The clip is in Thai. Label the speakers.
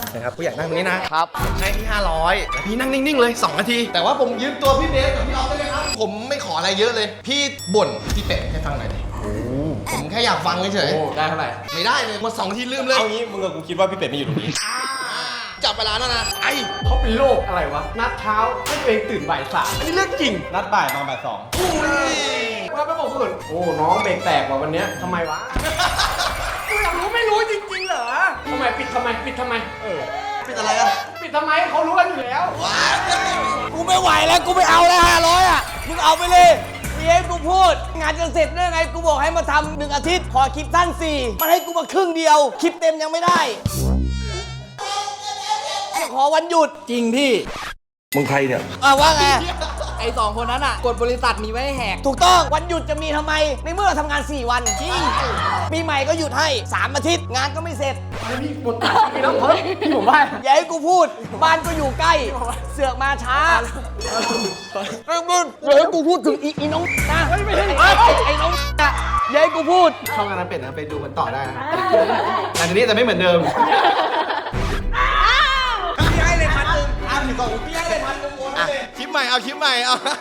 Speaker 1: นะครับกูอยากนั่งตรงนี้นะครับให้ที่500แต่พี่นั่งนิ่งๆเลย2 นาทีแต่ว่าผมยืมตัวพี่เบสกับพี่ออฟได้ไหมครับผมไม่ขออะไรเยอะเลยพี่บ่นพี่เป็ดให้ฟังหน่อยดิผมแค่อยากฟังเฉย
Speaker 2: ได้เท่าไหร่
Speaker 1: ไม่ได้เลยหมด2 นาทีลืมเลย
Speaker 3: เอางี้มึงกับกูคิดว่าพี่เป็ดไม่อยู่ตรงนี้
Speaker 1: จับเวลาแล้วนะไอ้
Speaker 2: เขาเป็นโรคอะไรวะ นัดเช้าให้ตัวเองตื่นบ่าย 3อันนี้เรื่องจริง
Speaker 3: นัดบ่ายมาบ่าย 2
Speaker 2: ว่าไปบอกคนอื่นโอ้ น้องเบรกแตกว่ะวันเนี้ยทำไมวะ กูอยากรู้ไม่รู้จริงๆเหรอทำไมปิดทำไมปิดทำไม
Speaker 1: ปิดอะไรอ่ะ
Speaker 2: ปิดทำไมเขารู้กันอยู่แล้ว
Speaker 4: กูไม่ไหวแล้วกูไม่เอาแล้ว500อ่ะมึงเอาไปเลยมีให้กูพูดงานจะเสร็จได้ไงกูบอกให้มาทำ1 อาทิตย์ขอคลิปสั้น4มันให้กูมาครึ่งเดียวคลิปเต็มยังไม่ได้ขอวันหยุดจริงพี่
Speaker 3: มึงใครเนี่ย
Speaker 4: ว่าไงไอ้2 คนนั้นอ่ะกฎบริษัทมีไว้ให้แหกถูกต้องวันหยุดจะมีทำไมในเมื่อเราทำงาน4 วันจริงปีใหม่ก็หยุดให้3 อาทิตย์งานก็ไม่เสร็จ
Speaker 2: พี่หมดตังค์ไปแล้วเฮ้ยพี่ผมว่า
Speaker 4: อย่าให้กูพูดบ้านก็อยู่ใกล้เสือกมาช้าอย่าให้กูพูดถึงอีน้องนะไอ้น้องนะอย่าให้กูพูด
Speaker 1: ช่องงานนั้นเป็ดนะไปดูกันต่อได้นะแต่ทีนี้จะไม่เหมือนเดิม
Speaker 4: พี่ให้เลย1,000พี่ให้เลย1,000
Speaker 1: คลิปใหม่เอาคลิปใหม่เอา